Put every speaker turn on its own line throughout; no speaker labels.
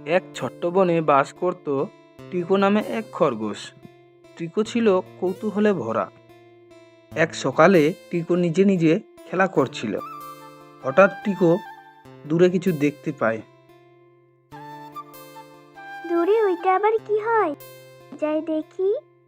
এক ছোট্ট বনে বাস করত টিকো নামে এক খরগোশ। টিকো ছিল কৌতূহলে ভরা। এক সকালে টিকো নিজে নিজে খেলা করছিল। হঠাৎ টিকো দূরে কিছু দেখতে পায়।
দূরে ওইটা আবার কি হয়? যাই দেখি।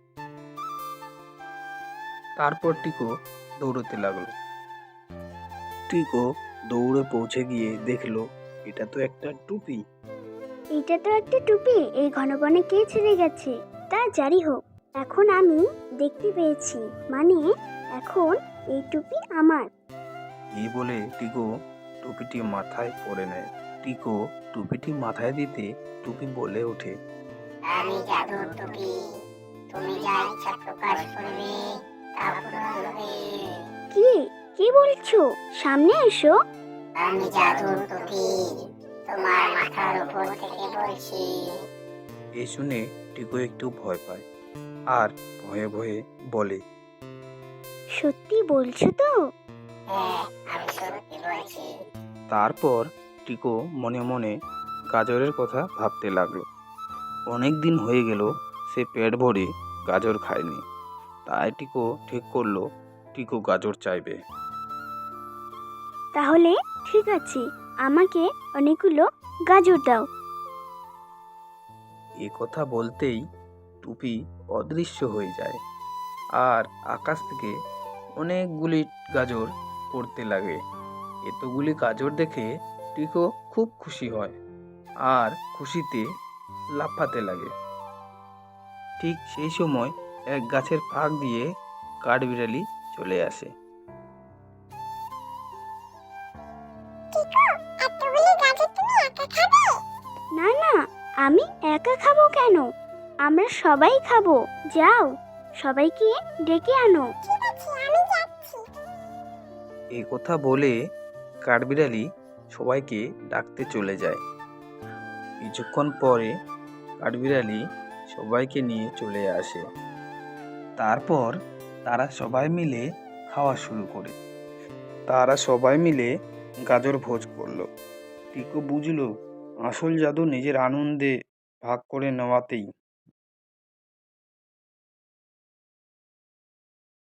তারপর টিকো দৌড়তে লাগলো। টিকো দৌড়ে পৌঁছে গিয়ে দেখলো এটা তো একটা টুপি।
এইটা তো একটা টুপি। এই ঘন বনে কে ছেড়ে গেছে? তা জারি হোক, এখন আমি দেখতে পেয়েছি, মানে এখন এই টুপি আমার।
এই বলে টিকো টুপিটি মাথায় পরে নেয়। টিকো টুপিটি মাথায় দিতে টুপি বলে ওঠে,
আমি জাদুর টুপি, তুমি যা ইচ্ছা প্রকাশ করবে তা পূরণ হবে।
কি কি বলছো? সামনে এসো।
আমি জাদুর টুপি, তোমার মাথার উপর থেকে বলছি।
এই শুনে টিকো একটু ভয় পায় আর ভয়ে ভয়ে বলে,
সত্যি বলছো তো?
হ্যাঁ, আমি সত্যি বলছি।
তারপর টিকো মনে মনে গাজরের কথা ভাবতে লাগলো। অনেক দিন হয়ে গেল সে পেট ভরে গাজর খায়নি। তাই টিকো ঠিক করলো টিকো গাজর চাইবে।
তাহলে ঠিক আছে, আমাকে অনেকগুলো গাজর দাও।
এ কথা বলতেই টুপি অদৃশ্য হয়ে যায় আর আকাশ থেকে অনেকগুলি গাজর পড়তে লাগে। এতগুলি গাজর দেখে টিকো খুব খুশি হয় আর খুশিতে লাফাতে লাগে। ঠিক সেই সময় এক গাছের ফাঁক দিয়ে কাঠবিড়ালি চলে আসে।
না না, আমি একা খাবো কেন? আমরা সবাই খাবো। যাও, সবাইকে ডেকে আনো।
এই কথা বলে কাঠবিড়ালি সবাইকে ডাকতে চলে যায়। কিছুক্ষণ পরে কাঠবিড়ালি সবাইকে নিয়ে চলে আসে। তারপর তারা সবাই মিলে খাওয়া শুরু করে। তারা সবাই মিলে গাজর ভোজ করলো। টিকো বুঝলো আসল জাদু নিজের আনন্দে ভাগ করে নেওয়াতেই।